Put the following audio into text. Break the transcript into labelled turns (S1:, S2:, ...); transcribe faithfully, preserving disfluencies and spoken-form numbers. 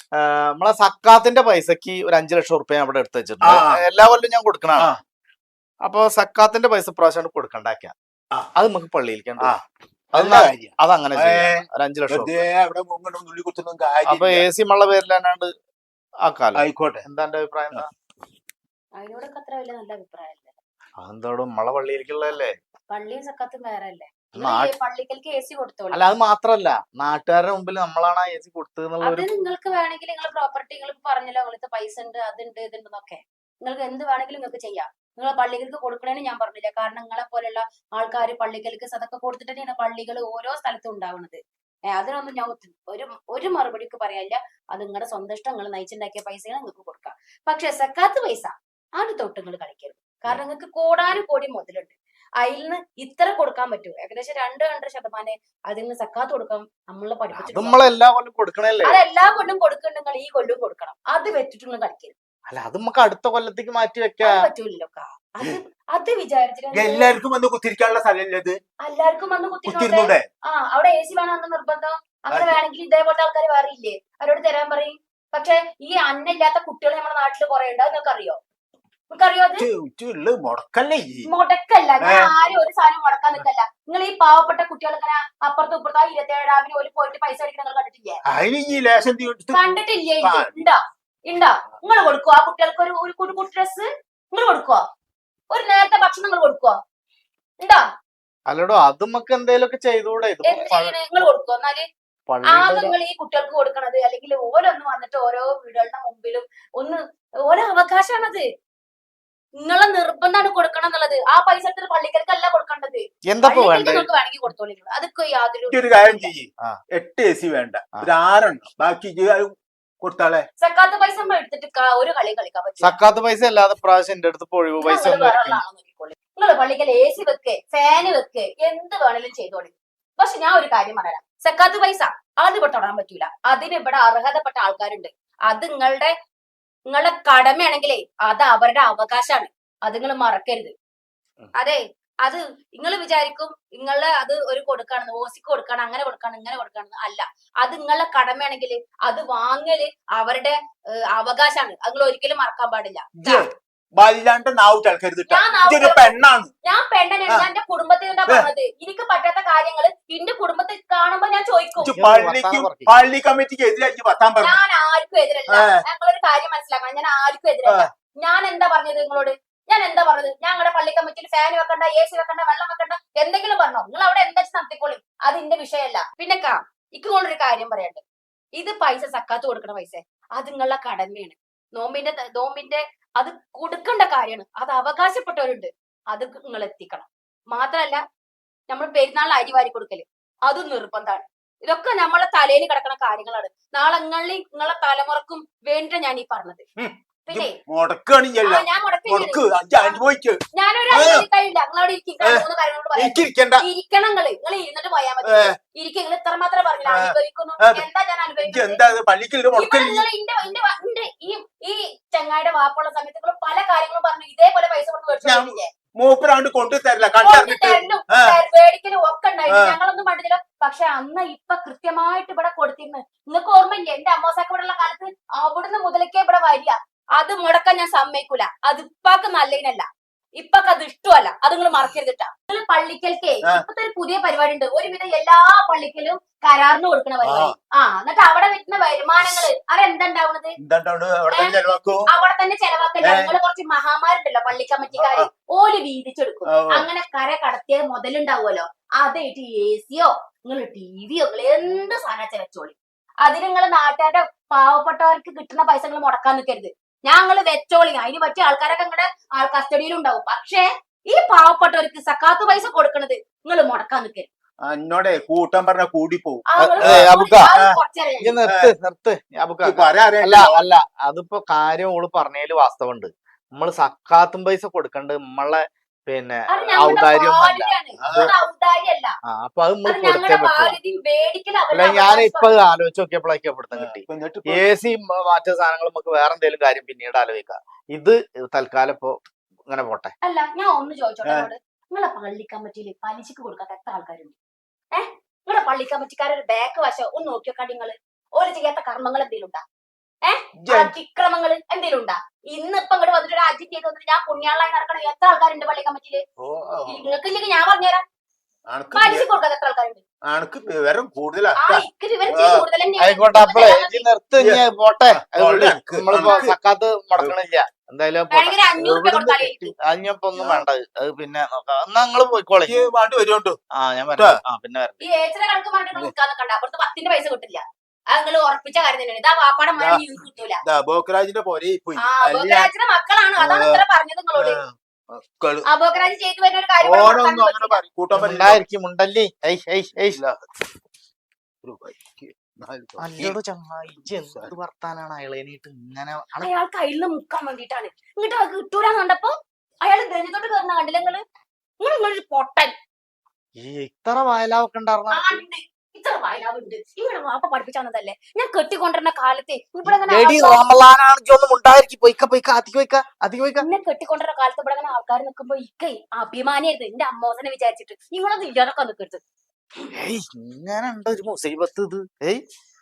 S1: നമ്മളെ സക്കാത്തിന്റെ പൈസക്ക് ഒരു അഞ്ചു ലക്ഷം റുപ്യ അവിടെ എടുത്ത് വെച്ചിട്ടുണ്ട്. എല്ലാ കൊല്ലം ഞാൻ കൊടുക്കണതാണ്. അപ്പൊ സക്കാത്തിന്റെ പൈസ പ്രാവശ്യം കൊടുക്കണ്ടാക്കിയ അത് നമുക്ക് പള്ളിയിലേക്കാണ്. അതങ്ങനെ ഒരു അഞ്ചു ലക്ഷം. അപ്പൊ എ സി മള്ള പേരിൽ തന്നെയാണ് ആക്കാലോ. ആയിക്കോട്ടെ. എന്താ എന്റെ അഭിപ്രായം? എന്താ അതെന്തോടും നമ്മളെ പള്ളിയിലേക്കുള്ളതല്ലേ.
S2: പള്ളിയും സക്കാത്തും വേറെ അല്ലേ?
S1: അല്ല അത് മാത്രല്ല, നാട്ടുകാരുടെ മുമ്പിൽ നമ്മളാണ് ആ എ സി കൊടുത്തത്.
S2: അത് നിങ്ങൾക്ക് വേണമെങ്കിൽ നിങ്ങൾ പ്രോപ്പർട്ടി നിങ്ങൾ പറഞ്ഞല്ലോ, നിങ്ങളത്തെ പൈസ ഉണ്ട്, അതുണ്ട്, ഇതുണ്ടെന്നൊക്കെ നിങ്ങൾക്ക് എന്ത് വേണമെങ്കിലും നിങ്ങൾക്ക് ചെയ്യാം. നിങ്ങൾ പള്ളികൾക്ക് കൊടുക്കണേന്ന് ഞാൻ പറഞ്ഞില്ല. കാരണം നിങ്ങളെ പോലെയുള്ള ആൾക്കാർ പള്ളികൾക്ക് സദക്ക കൊടുത്തിട്ട് തന്നെയാണ് പള്ളികൾ ഓരോ സ്ഥലത്തും ഉണ്ടാവുന്നത്. ഏഹ് അതിനൊന്നും ഞാൻ ഒരു ഒരു മറുപടിക്ക് പറയാനില്ല. അത് നിങ്ങളുടെ സ്വന്തം ഇഷ്ടം, നിങ്ങൾ നയിച്ചുണ്ടാക്കിയ പൈസകൾ നിങ്ങൾക്ക് കൊടുക്കാം. പക്ഷെ സക്കാത്ത് പൈസ അത് തൊട്ട് നിങ്ങൾ കളിക്കരുത്. കാരണം നിങ്ങൾക്ക് കോടാനും കോടി മുതലുണ്ട്. അതിൽ നിന്ന് ഇത്ര കൊടുക്കാൻ പറ്റുമോ? ഏകദേശം രണ്ട് രണ്ടര ശതമാനം അതിൽ നിന്ന് സക്കാത്ത് കൊടുക്കാം. നമ്മളെ പഠിപ്പിച്ചിട്ട്
S1: അതെല്ലാ കൊല്ലം കൊടുക്കണല്ലേ?
S2: അതെല്ലാ കൊല്ലം കൊടുക്കണ്ട, ഈ കൊല്ലം കൊടുക്കണം. അത് വെച്ചിട്ട് നിങ്ങൾ കളിക്കരുത്.
S1: അല്ല അത് നമുക്ക് അടുത്ത കൊല്ലത്തേക്ക് മാറ്റി വെക്കാൻ
S2: പറ്റൂലല്ലോ. അത് അത് വിചാരിച്ചിട്ട്
S3: എല്ലാവർക്കും വന്ന് കുത്തിരിക്കാനുള്ള സ്ഥലമല്ലേ?
S2: എല്ലാവർക്കും വന്ന് കുത്തിരുന്നൂടെ? ആ അവിടെ എ സി വേണമെന്ന് നിർബന്ധം. അങ്ങനെ വേണമെങ്കിൽ ഇതേപോലത്തെ ആൾക്കാർ വേറെ ഇല്ലേ, അവരോട് തരാൻ പറയും. പക്ഷെ ഈ അന്നല്ലാത്ത കുട്ടികൾ നമ്മുടെ നാട്ടിൽ കുറെ ഉണ്ട്. അത് നിങ്ങൾക്ക് അറിയോ? മുടക്കല്ല. ഞാൻ ആരും ഒരു സാധനം മുടക്കാൻ നിൽക്കല്ല. നിങ്ങൾ ഈ പാവപ്പെട്ട കുട്ടികൾ ഇങ്ങനെ അപ്പുറത്തും ഇപ്പുറത്തും ആ ഇരുപത്തേഴാമിന് ഒരു പോയിട്ട് പൈസ അടിക്കുന്ന നിങ്ങൾ കണ്ടിട്ടില്ലേ? കണ്ടിട്ടില്ലേ? ഉണ്ടോ ഉണ്ടോ? നിങ്ങൾ കൊടുക്കുവോ ആ കുട്ടികൾക്ക് ഒരു ഒരു കുട്ടി ഡ്രസ്? നിങ്ങൾ കൊടുക്കുവോ? ഒരു നേരത്തെ ഭക്ഷണം നിങ്ങൾ കൊടുക്കുവോ? ഉണ്ടോ?
S1: അല്ലടോ അത് നമുക്ക് എന്തെങ്കിലുമൊക്കെ ചെയ്തുകൂടെ?
S2: നിങ്ങൾ കൊടുക്കുവോ? എന്നാല് ആദ്യം നിങ്ങൾ ഈ കുട്ടികൾക്ക് കൊടുക്കണത്, അല്ലെങ്കിൽ ഓരോന്ന് വന്നിട്ട് ഓരോ വീടുകളുടെ മുമ്പിലും ഒന്ന് ഓരോ അവകാശമാണത്. നിങ്ങളെ നിർബന്ധമാണ് കൊടുക്കണം എന്നുള്ളത്. ആ പൈസ എടുത്തിട്ട് പള്ളിക്കൽക്കല്ല കൊടുക്കേണ്ടത്. നിങ്ങൾക്ക് വേണമെങ്കിൽ കൊടുത്തോളൂ. അതൊക്കെ യാതൊരു
S3: കാര്യം ചെയ്യ്. എട്ട് എ സി വേണ്ട, ഒരു ആറെണ്ണം ബാക്കി കൊടുത്താളെ.
S2: സക്കാത്ത് പൈസ നമ്മൾ എടുത്തിട്ട് ഒരു കളി കളിക്കാൻ പറ്റും.
S1: സക്കാത്ത് പൈസ അല്ലാതെ പ്രാവശ്യം എന്റെ അടുത്ത് ഒഴിവ് പൈസ
S2: നിങ്ങൾ പള്ളിക്കൽ എ സി വെക്ക്, ഫാന് വെക്ക്, എന്ത് വേണേലും ചെയ്തോളി. പക്ഷെ ഞാൻ ഒരു കാര്യം പറയാം, സക്കാത്ത് പൈസ അത് ഇവിടെ തൊടാൻ പറ്റൂല. അതിന് ഇവിടെ അർഹതപ്പെട്ട ആൾക്കാരുണ്ട്. അത് നിങ്ങളുടെ നിങ്ങളുടെ കടമയാണെങ്കിലേ അത് അവരുടെ അവകാശമാണ്. അത് നിങ്ങൾ മറക്കരുത്. അതെ, അത് നിങ്ങൾ വിചാരിക്കും നിങ്ങളെ അത് ഒരു കൊടുക്കാണെന്ന്, ഓസിക്ക് കൊടുക്കാണ്, അങ്ങനെ കൊടുക്കാണ്, ഇങ്ങനെ കൊടുക്കാണെന്ന്. അല്ല, അത് നിങ്ങളുടെ കടമയാണെങ്കിൽ അത് വാങ്ങല് അവരുടെ അവകാശമാണ്. അത് നിങ്ങൾ ഒരിക്കലും മറക്കാൻ പാടില്ല.
S3: പെണ്ണാണ്
S2: ഞാൻ പെണ്ണനാണ്. ഞാൻ എന്റെ കുടുംബത്തിൽ എന്താ പറഞ്ഞത്? എനിക്ക് പറ്റാത്ത കാര്യങ്ങള് എന്റെ കുടുംബത്തിൽ കാണുമ്പോ ഞാൻ ചോദിക്കും.
S3: പള്ളി കമ്മിറ്റിക്ക് എതിരാക്കി
S2: ഞാൻ ആർക്കും എതിരല്ല. ഞങ്ങളൊരു കാര്യം മനസ്സിലാക്കണം, ഞാൻ ആർക്കും എതിരല്ല. ഞാൻ എന്താ പറഞ്ഞത് നിങ്ങളോട്? ഞാൻ എന്താ പറഞ്ഞത്? ഞങ്ങളുടെ പള്ളി കമ്മിറ്റിയിൽ ഫാൻ വെക്കണ്ട, എ സി വെക്കണ്ട, വെള്ളം വെക്കണ്ട, എന്തെങ്കിലും പറഞ്ഞോ? നിങ്ങൾ അവിടെ എന്താ നടത്തിക്കോളും, അത് എന്റെ വിഷയമല്ല. പിന്നെ കാ ഇക്ക് കൊണ്ടൊരു കാര്യം പറയട്ടെ. ഇത് പൈസ സക്കാത്ത് കൊടുക്കണ പൈസ അത് നിങ്ങളുടെ കടമയാണ്. നോമ്പിന്റെ നോമ്പിന്റെ അത് കൊടുക്കേണ്ട കാര്യമാണ്. അത് അവകാശപ്പെട്ടവരുണ്ട്, അത് നിങ്ങൾ എത്തിക്കണം. മാത്രല്ല നമ്മൾ പെരുന്നാളിന് അരി വാരി കൊടുക്കല് അതും നിർബന്ധമാണ്. ഇതൊക്കെ നമ്മളെ തലയിൽ കിടക്കുന്ന കാര്യങ്ങളാണ്. നാളെ നിങ്ങളിൽ നിങ്ങളെ തലമുറക്കും വേണ്ടിട്ട് ഞാൻ ഈ പറഞ്ഞത്. പിന്നെ ഞാനൊരു കഴിയില്ല. നിങ്ങളോട് മൂന്ന് കാര്യങ്ങളോട് പറയാം. ഇരിക്കണം. നിങ്ങള് നിങ്ങൾ ഇരുന്നിട്ട് പോയാൽ മതി. ഇരിക്കും. നിങ്ങൾ ഇത്ര മാത്രമേ പറഞ്ഞില്ല അനുഭവിക്കുന്നു. എന്താ ഞാൻ അനുഭവിക്കുന്നത്? ഈ ചങ്ങായിയുടെ വാപ്പുള്ള സമയത്ത് നിങ്ങൾ പല കാര്യങ്ങളും പറഞ്ഞു ഇതേപോലെ പൈസ കൊടുത്ത് മേടിച്ചില്ലേ?
S3: മൂപ്പരാണ്ട് കൊണ്ടു തരില്ല,
S2: മേടിക്കലും ഒക്കെ ഉണ്ടായിരുന്നു. ഞങ്ങളൊന്നും കണ്ടില്ല. പക്ഷെ അന്ന് ഇപ്പൊ കൃത്യമായിട്ട് ഇവിടെ കൊടുത്തിരുന്നു. നിങ്ങൾക്ക് ഓർമ്മയില്ലേ? എന്റെ അമ്മോസാക്ക് ഇവിടെ ഉള്ള കാലത്ത് അവിടുന്ന് മുതലേക്കേ ഇവിടെ വരിക. അത് മുടക്കാൻ ഞാൻ സമ്മതിക്കൂല. അത് ഇപ്പാക്ക് നല്ലതിനല്ല, ഇപ്പൊക്കെ അത് ഇഷ്ടമല്ല. അത് നിങ്ങൾ മറക്കരുതിട്ടാ. നിങ്ങൾ പള്ളിക്കൽക്കേ ഇപ്പത്തെ ഒരു പുതിയ പരിപാടി ഉണ്ട്. ഒരുവിധം എല്ലാ പള്ളിക്കലും കരാറിന് കൊടുക്കണ പരിപാടി. ആ എന്നിട്ട് അവിടെ വരുന്ന വരുമാനങ്ങള് അതെന്താണ്ടാവുന്നത്? അവിടെ തന്നെ ചെലവാക്കല്ല. നിങ്ങൾ കുറച്ച് മഹാമാരുണ്ടല്ലോ പള്ളി കമ്മിറ്റിക്കാര്, ഓല് വീതിച്ചെടുക്കും. അങ്ങനെ കര കടത്തിയ മുതലുണ്ടാവുമല്ലോ, അതായിട്ട് എ സിയോ നിങ്ങൾ ടി വിയോ നിങ്ങൾ എന്ത് സാധനം വെച്ചോളി. അതിന് നിങ്ങൾ നാട്ടുകാരുടെ പാവപ്പെട്ടവർക്ക് കിട്ടുന്ന പൈസ നിങ്ങൾ മുടക്കാൻ നിൽക്കരുത്. ഞങ്ങള് വെച്ചോളി. അതിന് പറ്റിയ ആൾക്കാരൊക്കെ നിങ്ങളുടെ ആൾ കസ്റ്റഡിയിലുണ്ടാവും. പക്ഷെ ഈ പാവപ്പെട്ടവർക്ക് സക്കാത്ത് പൈസ കൊടുക്കണത് നിങ്ങൾ മുടക്കാൻ നിൽക്കരുത്.
S3: എന്നോടെ കൂട്ടം പറഞ്ഞ കൂടി പോകും.
S1: അല്ല അല്ല അതിപ്പോ കാര്യം ഓള് പറഞ്ഞതില് വാസ്തവുണ്ട്. നമ്മള് സക്കാത്തും പൈസ കൊടുക്കണ്ട് നമ്മളെ പിന്നെ ഔദാര്യമൊന്നല്ല. അപ്പൊ അത് നമ്മൾ കൊടുത്തേ പറ്റുള്ളൂ. അല്ല ഞാൻ ഇപ്പൊ ആലോചിച്ച് നോക്കിയപ്പോഴേക്കും പിടുത്തം കിട്ടി. എ സി മറ്റു സാധനങ്ങൾ നമുക്ക് വേറെ എന്തെങ്കിലും കാര്യം പിന്നീട് ആലോചിക്കാം. ഇത് തൽക്കാലം ഇപ്പൊ ഇങ്ങനെ പോട്ടെ.
S2: അല്ല ഞാൻ ഒന്ന് ചോദിച്ചോട്ടെ, നിങ്ങളെ പള്ളി കമ്മിറ്റിയിൽ പലിശക്ക് കൊടുക്കാത്ത എത്ര ആൾക്കാരുണ്ട്? ഏഹ് നിങ്ങളുടെ പള്ളി കമ്മിറ്റിക്കാരൊരു ബാക്ക് വശം ഒന്ന് നോക്കിയോക്കാ. നിങ്ങള് ഓര് ചെയ്യാത്ത കർമ്മങ്ങൾ എന്തെങ്കിലും ഉണ്ടാ? അതിക്രമങ്ങൾ എന്തെങ്കിലും ഉണ്ടാ? ഇന്നിപ്പൊ ഇങ്ങോട്ട് വന്നിട്ട് ഒരു അജിറ്റ് ചെയ്ത് വന്നിട്ട് ഞാൻ പുണ്യാളായി നടക്കണം എത്ര ആൾക്കാരുണ്ട് പള്ളി കമ്മിറ്റിയില്? നിങ്ങൾക്ക് ഇല്ലെങ്കിൽ ഞാൻ പറഞ്ഞുതരാം. പലിശ കൊടുക്കാതെ എത്ര ആൾക്കാരുണ്ട്?
S3: അനക്ക് വിവരം കൂടുതലാ.
S2: ആ ഇക്ക് വിവരം ഇച്ചിരി കൂടുതൽ തന്നെയാണ്.
S1: ആയിക്കോട്ടെ, അപ്പളേ ഇജ്ജ് നിർത്ത്, ഇനി പോട്ടെ. നമ്മളിപ്പോ സക്കാത്ത് മുടക്കണില്ല എന്തായാലും.
S2: വേണമെങ്കിൽ ഒരു അഞ്ഞൂറ് രൂപ കൊടുത്താലേ എനിക്ക്.
S1: അതിനിപ്പോ ഒന്നും വേണ്ട, അത് പിന്നെ നോക്കാം. എന്നാ നിങ്ങള് പോയിക്കോളെ.
S3: ഈ പാട്ട് വരുന്നുണ്ടോ?
S1: ആ ഞാൻ വരാം. ആ പിന്നെ വരാം.
S2: ഈ ഏച്ചിനെ കണക്ക് പറഞ്ഞിട്ട് നിൽക്കാൻ നിൽക്കണ്ട. അപ്പുറത്ത് പത്തിന്റെ പൈസ കിട്ടില്ല. അത് നിങ്ങൾ ഉറപ്പിച്ച കാര്യം തന്നെയാണ്. ഇതാ വാപ്പാടെ മഴ നിങ്ങൾക്ക് കിട്ടൂല.
S3: ബോക്കരാജിന്റെ പോരെ പോയി.
S2: ആ ബോക്കരാജിന്റെ മക്കളാണ്, അതാണ് ഇത്ര പറഞ്ഞത് നിങ്ങളോട്. ആ ബോക്കരാജ് ചെയ്തു വരുന്ന ഒരു കാര്യം
S3: ഓരോന്നും അങ്ങനെ പറയും, കൂട്ടാൻ
S1: ഉണ്ടായിരിക്കും ഉണ്ടല്ലേ.
S3: പറ്റില്ല.
S1: അല്ലടോ ചങ്ങായി, എന്ത് വർത്താനാണ് അയാളേനിട്ട് ഇങ്ങനെ?
S2: അയാൾ കയ്യിൽ നിന്ന് മുക്കാൻ വേണ്ടിട്ടാണ്. ഇങ്ങോട്ട് അത് കിട്ടൂലെന്ന് കണ്ടപ്പോ അയാൾ ധൈര്യത്തോട്ട് കയറുന്ന കണ്ടില്ല നിങ്ങള്? നിങ്ങൾ നിങ്ങളൊരു പൊട്ടൻ.
S1: ഈ ഇത്ര വയലാവൊക്കെ ഉണ്ടായിരുന്ന
S2: ആ ഉണ്ട്, ഇത്ര വയലാവുണ്ട്. ഇവിടെ വാപ്പ പഠിപ്പിച്ചു തന്നതല്ലേ. ഞാൻ കെട്ടിക്കൊണ്ടിരുന്ന കാലത്ത് ഇവിടെ
S1: ഒന്നും ഉണ്ടായിരിക്കും. പോയിക്ക പോയിക്ക അധികം പോയിക്ക അധികം പോയിക്ക.
S2: എന്നെ കെട്ടിക്കൊണ്ടിരുന്ന കാലത്ത് ഇവിടെ അങ്ങനെ ആൾക്കാർ നിൽക്കുമ്പോ ഇക്കൈ അഭിമാനിയായിരുന്നു എന്റെ അമ്മോസനെ വിചാരിച്ചിട്ട്. നിങ്ങളത് ഇല്ലാതൊക്കെ നിൽക്കരുത്.
S1: ഏയ് ഇങ്ങനെ ഉണ്ട് ഒരു മുസീബത്ത് ഇത്. ഏയ്